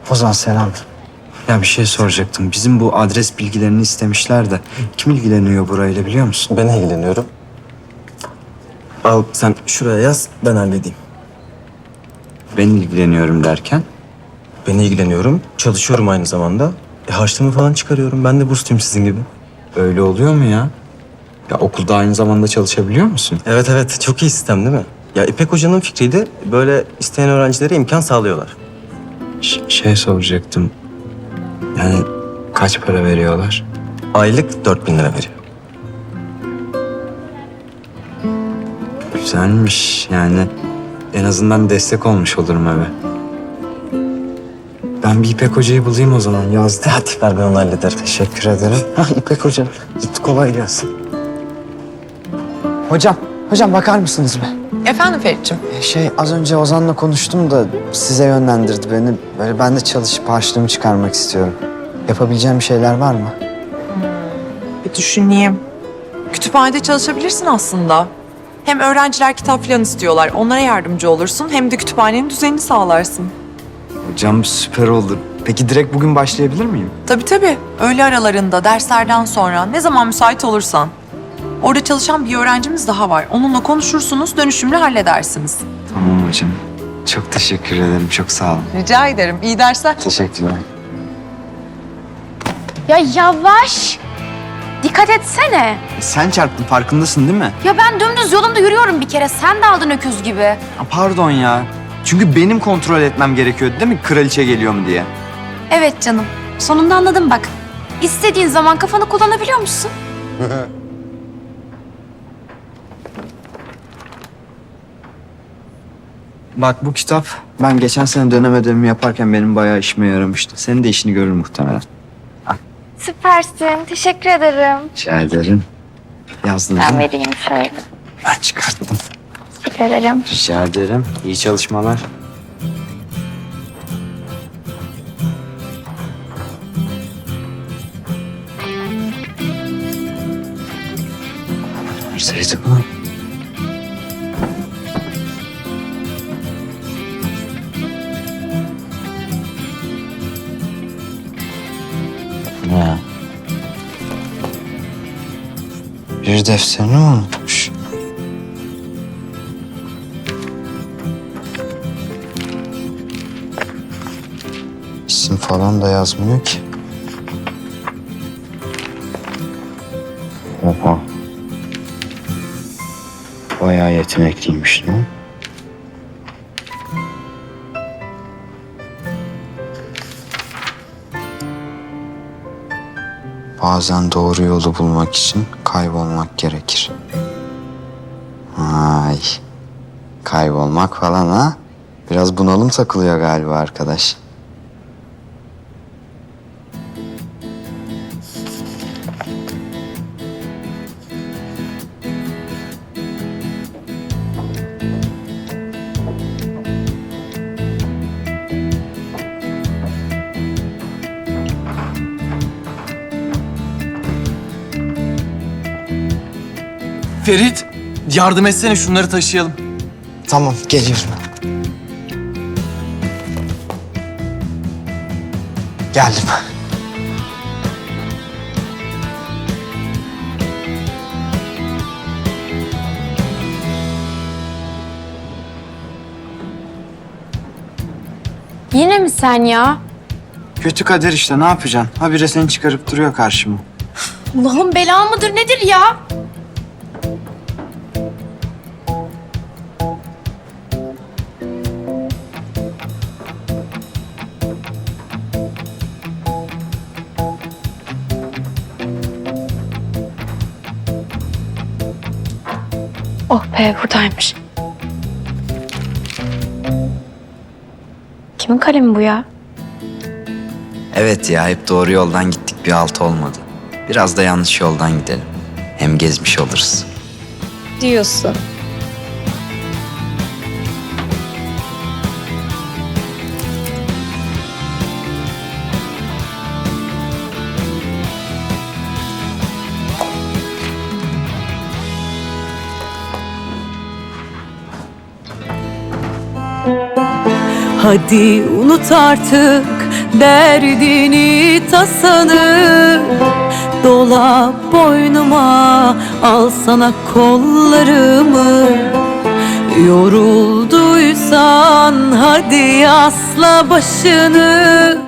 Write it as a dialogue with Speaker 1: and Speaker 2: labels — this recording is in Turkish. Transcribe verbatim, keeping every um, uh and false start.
Speaker 1: Ozan selam. Ya bir şey soracaktım. Bizim bu adres bilgilerini istemişler de kim ilgileniyor burayla biliyor musun?
Speaker 2: Ben ilgileniyorum. Al sen şuraya yaz, ben halledeyim.
Speaker 1: Ben ilgileniyorum derken?
Speaker 2: Ben ilgileniyorum, çalışıyorum aynı zamanda. E, harçlığımı falan çıkarıyorum. Ben de bursluyum sizin gibi.
Speaker 1: Öyle oluyor mu ya? Ya okulda aynı zamanda çalışabiliyor musun?
Speaker 2: Evet evet, çok iyi sistem değil mi? Ya İpek Hoca'nın fikriydi. Böyle isteyen öğrencilere imkan sağlıyorlar.
Speaker 1: Ş- şey soracaktım. Yani kaç para veriyorlar?
Speaker 2: Aylık dört bin lira veriyor.
Speaker 1: Güzelmiş yani. En azından destek olmuş olurum eve. Ben bir İpek Hoca'yı bulayım o zaman. Yazdı.
Speaker 2: Hadi ver, ben onu hallederim.
Speaker 1: Teşekkür ederim. Hah İpek Hoca. Git kolay gelsin. Hocam, hocam bakar mısınız be?
Speaker 3: Efendim Ferit'ciğim?
Speaker 1: Şey az önce Ozan'la konuştum da size yönlendirdi beni. Böyle ben de çalışıp harçlığımı çıkarmak istiyorum. Yapabileceğim şeyler var mı?
Speaker 3: Bir düşüneyim. Kütüphanede çalışabilirsin aslında. Hem öğrenciler kitap falan istiyorlar. Onlara yardımcı olursun. Hem de kütüphanenin düzenini sağlarsın.
Speaker 1: Hocam süper olur. Peki direkt bugün başlayabilir miyim?
Speaker 3: Tabii tabii. Öğle aralarında, derslerden sonra ne zaman müsait olursan. Orada çalışan bir öğrencimiz daha var. Onunla konuşursunuz, dönüşümlü halledersiniz.
Speaker 1: Tamam hocam. Çok teşekkür ederim. Çok sağ olun.
Speaker 3: Rica ederim. İyi dersler.
Speaker 1: Teşekkürler.
Speaker 4: Ya yavaş. Dikkat etsene.
Speaker 1: Sen çarptın farkındasın değil mi?
Speaker 4: Ya ben dümdüz yolumda yürüyorum bir kere. Sen de aldın öküz gibi.
Speaker 1: Ha, pardon ya. Çünkü benim kontrol etmem gerekiyordu değil mi? Kraliçe geliyor mu diye.
Speaker 4: Evet canım. Sonunda anladım bak. İstediğin zaman kafanı kullanabiliyor musun?
Speaker 1: Bak bu kitap ben geçen sene dönem ödevimi yaparken benim bayağı işime yaramıştı. Senin de işini görür muhtemelen.
Speaker 4: Süpersin. Teşekkür ederim.
Speaker 1: Rica ederim. Yazdın değil mi?
Speaker 4: vereyim şöyle.
Speaker 1: Ben çıkarttım.
Speaker 4: Teşekkür ederim.
Speaker 1: Rica ederim. İyi çalışmalar. Verseydi bunu. Ne? Bir defterini unutmuş. İsim falan da yazmıyor ki. Oha. Bayağı yetenekliymiş lan. Bazen doğru yolu bulmak için kaybolmak gerekir. Ay. Kaybolmak falan ha? Biraz bunalım takılıyor galiba arkadaş.
Speaker 5: Ferit, yardım etsene şunları taşıyalım.
Speaker 1: Tamam geliyorum. Geldim.
Speaker 4: Yine mi sen ya?
Speaker 1: Kötü kader işte ne yapacaksın? Habire seni çıkarıp duruyor karşıma.
Speaker 4: Allah'ın bela mıdır nedir ya? Oh be buradaymış. Kimin kalemi bu ya?
Speaker 1: Evet ya hep doğru yoldan gittik bir halt olmadı. Biraz da yanlış yoldan gidelim. Hem gezmiş oluruz.
Speaker 4: Diyorsun.
Speaker 6: Hadi unut artık derdini tasanı. Dola boynuma, al sana kollarımı. Yorulduysan hadi asla başını.